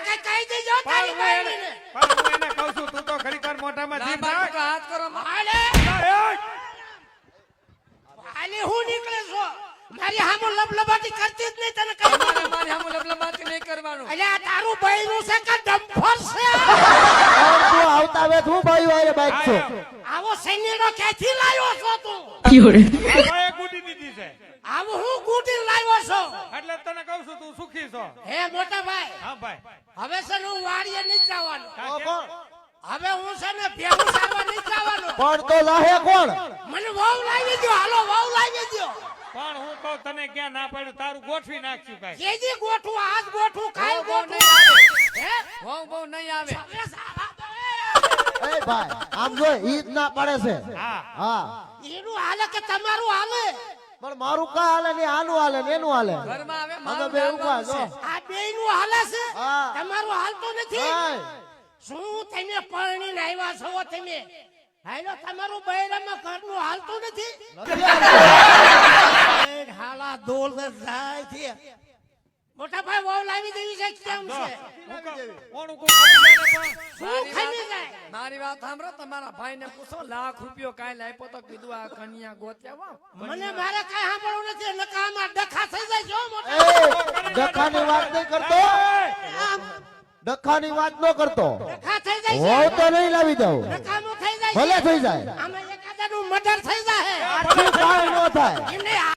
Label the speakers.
Speaker 1: કઈ કહી દેજો તારી બાઈને
Speaker 2: પણ હું એને કહું છું તું તો ઘડીકવાર મોઢામાં જીભ નાખ.
Speaker 3: હાથ કરો
Speaker 1: હાલે હાલે હું નીકળે છો મારી હામો લબલબાટી કરતી જ નહીં તને કહી દઉં.
Speaker 3: મારી હામું લબલબાટી નહીં કરવાનું.
Speaker 1: અલ્યા તારું બૈરું છે કે ડમ્ફર છે
Speaker 4: તું આવતા વે તું ભાઈ વાળે બાઈક છો
Speaker 1: આવો સૈન્યનો ક્યાંથી લાવ્યો છો તું
Speaker 2: ભાઈએ ગુડી દીધી છે
Speaker 1: આવો હું ગુટી લાવ્યો છો
Speaker 2: એટલે તને કહું છું તું સુખી છો.
Speaker 1: હે મોટા ભાઈ
Speaker 2: હા ભાઈ
Speaker 1: હવે છે ને હું વાડીએ નહીં જવાનું
Speaker 4: કોણ
Speaker 1: હવે હું છે ને ભેગું સારવા નહીં જવાનું
Speaker 4: કોણ તો લાહે કોણ
Speaker 1: મને વહુ લાવી દો હાલો વહુ લાવી દો
Speaker 2: પણ હું કહું તને ક્યાં ના પાડ્યું તારું ગોઠવી નાખ્યું કાંઈ.
Speaker 1: કેજી ગોઠું આજ ગોઠું કાલ
Speaker 3: બહુ
Speaker 1: ગોઠું
Speaker 3: નહીં આવે.
Speaker 1: હે
Speaker 3: બહુ નહીં આવે.
Speaker 1: હવે સારા દે.
Speaker 4: એ ભાઈ આમ જો ઈદ ના પડે છે
Speaker 2: હા
Speaker 4: હા
Speaker 1: એનું હાલે કે તમારું હાલે
Speaker 4: પણ મારું કા હાલે ને આનું હાલે ને એનું હાલે
Speaker 3: ઘરમાં આવે
Speaker 4: અમે
Speaker 3: મારું
Speaker 4: બે
Speaker 3: ધ્યાન
Speaker 4: ઉભા
Speaker 3: રાખવું
Speaker 4: છો
Speaker 3: છે.
Speaker 1: આ બેયનું હાલે છે
Speaker 4: હા.
Speaker 1: તમારું હાલતું નથી
Speaker 4: હાય.
Speaker 1: શું તમે પરણીને આવ્યા છો તમે હાલો તમારું બૈરામાં ઘરનું હાલતું નથી એ હાલા દોલ જાય છે મોટા ભાઈ વહુ લાવી દેવી છે કેમ છે
Speaker 2: કોણ કોઈ ખબર નહીં પણ
Speaker 1: શું ખાઈ જાય
Speaker 3: મારી વાત સાંભળો તમારા ભાઈને પૂછો લાખ રૂપિયો કાંઈ આપ્યો તો કીધું આ કન્યા ગોત્યા વા.
Speaker 1: મને મારે કઈ સાંભળવું નથી નકામાં ડખા થઈ જાય જો મોટા
Speaker 4: એ ડખાની વાત નહીં કરતો
Speaker 1: આમ
Speaker 4: ડખાની વાત ન કરતો
Speaker 1: ડખા થઈ જાય
Speaker 4: હોવ
Speaker 1: છે
Speaker 4: તો નહીં લાવી દઉં
Speaker 1: નકામું થઈ જાય
Speaker 4: ભલે
Speaker 1: છે
Speaker 4: થઈ જાય
Speaker 1: આમાં એકાદાનું મર્ડર થઈ જાય
Speaker 4: આટલું કાંઈ ન થાય
Speaker 1: એમને